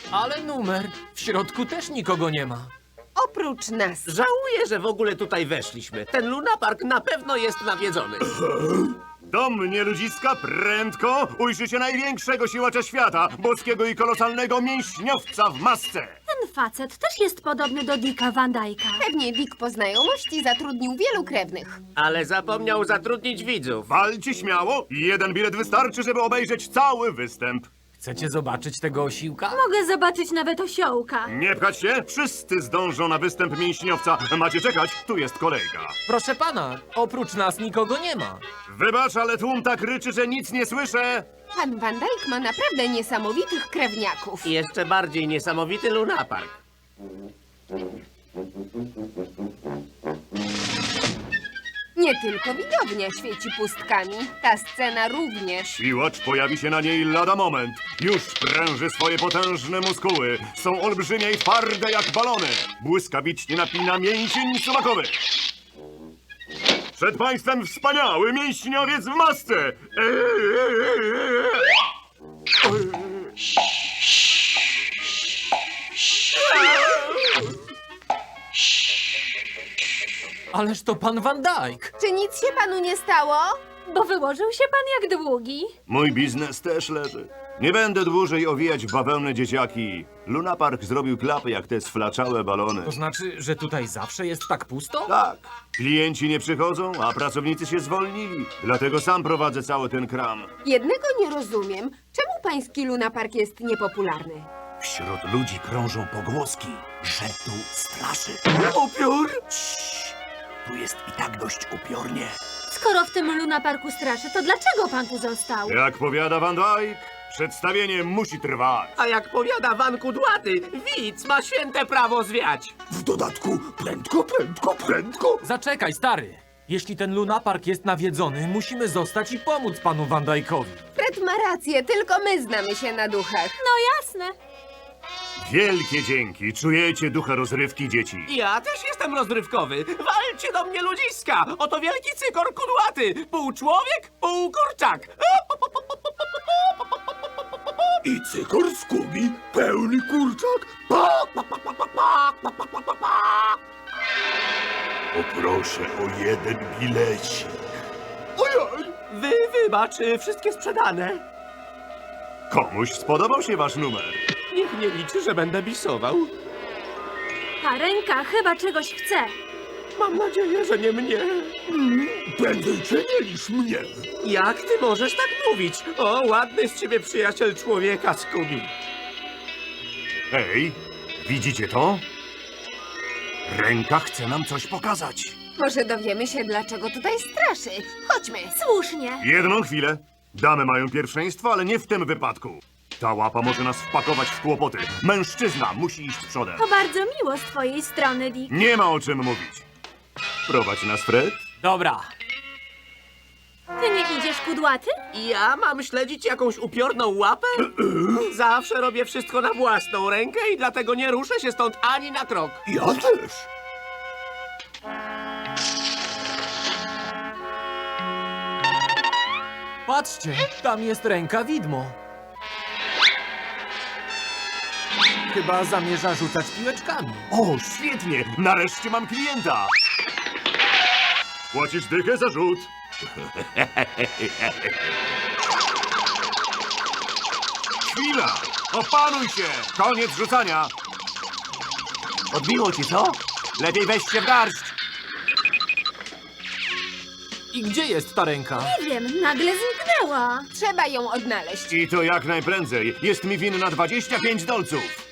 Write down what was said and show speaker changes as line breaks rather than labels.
Ale numer. W środku też nikogo nie ma.
Oprócz nas.
Żałuję, że w ogóle tutaj weszliśmy. Ten lunapark na pewno jest nawiedzony.
Do mnie, ludziska, prędko ujrzycie największego siłacza świata, boskiego i kolosalnego mięśniowca w masce.
Ten facet też jest podobny do Dicka Van Dyka.
Pewnie Dick po znajomości zatrudnił wielu krewnych.
Ale zapomniał zatrudnić widzów.
Walcie śmiało, jeden bilet wystarczy, żeby obejrzeć cały występ.
Chcecie zobaczyć tego osiłka?
Mogę zobaczyć nawet osiołka.
Nie pchać się, wszyscy zdążą na występ mięśniowca. Macie czekać, tu jest kolejka.
Proszę pana, oprócz nas nikogo nie ma.
Wybacz, ale tłum tak ryczy, że nic nie słyszę.
Pan Van Dyke ma naprawdę niesamowitych krewniaków.
I jeszcze bardziej niesamowity lunapark.
Nie tylko widownia świeci pustkami. Ta scena również.
Siłacz pojawi się na niej lada moment. Już pręży swoje potężne muskuły. Są olbrzymie i twarde jak balony. Błyskawicznie napina mięsień suwakowy. Przed państwem wspaniały mięśniowiec w masce.
Ależ to pan Van Dyke.
Czy nic się panu nie stało?
Bo wyłożył się pan jak długi.
Mój biznes też leży. Nie będę dłużej owijać w bawełnę dzieciaki. Lunapark zrobił klapy jak te sflaczałe balony.
To znaczy, że tutaj zawsze jest tak pusto?
Tak, klienci nie przychodzą, a pracownicy się zwolnili. Dlatego sam prowadzę cały ten kram.
Jednego nie rozumiem. Czemu pański lunapark jest niepopularny?
Wśród ludzi krążą pogłoski, że tu straszy.
Upiór?
Tu jest i tak dość upiornie.
Skoro w tym lunaparku straszy, to dlaczego pan tu został?
Jak powiada Van Dyke, przedstawienie musi trwać.
A jak powiada Van Kudłaty, widz ma święte prawo zwiać.
W dodatku prędko.
Zaczekaj, stary. Jeśli ten lunapark jest nawiedzony, musimy zostać i pomóc panu Van Dyke'owi.
Fred ma rację, tylko my znamy się na duchach.
No jasne.
Wielkie dzięki, czujecie ducha rozrywki, dzieci.
Ja też jestem rozrywkowy. Walcie do mnie, ludziska! Oto wielki cykor kudłaty. Pół człowiek, pół kurczak.
I cykor Skubi, pełny kurczak. Poproszę o jeden bilecik. Ojoj!
Wybacz, wszystkie sprzedane.
Komuś spodobał się wasz numer.
Niech nie liczy, że będę bisował.
Ta ręka chyba czegoś chce.
Mam nadzieję, że nie mnie.
Prędzej cię niż mnie.
Jak ty możesz tak mówić? O, ładny z ciebie przyjaciel człowieka, Scooby.
Hej, widzicie to? Ręka chce nam coś pokazać.
Może dowiemy się, dlaczego tutaj straszy. Chodźmy.
Słusznie.
Jedną chwilę. Damy mają pierwszeństwo, ale nie w tym wypadku. Ta łapa może nas wpakować w kłopoty. Mężczyzna musi iść przodem.
To bardzo miło z twojej strony, Dick.
Nie ma o czym mówić. Prowadź nas, Fred.
Dobra.
Ty nie idziesz, kudłaty?
Ja mam śledzić jakąś upiorną łapę? Zawsze robię wszystko na własną rękę i dlatego nie ruszę się stąd ani na krok.
Ja też.
Patrzcie, tam jest ręka widmo. Chyba zamierza rzucać piłeczkami.
O, świetnie! Nareszcie mam klienta! Płacisz dychę za rzut. Chwila! Opanuj się! Koniec rzucania!
Odbiło ci, co? Lepiej weź się w garść.
I gdzie jest ta ręka?
Nie wiem, nagle zniknęła.
Trzeba ją odnaleźć.
I to jak najprędzej. Jest mi winna 25 dolców.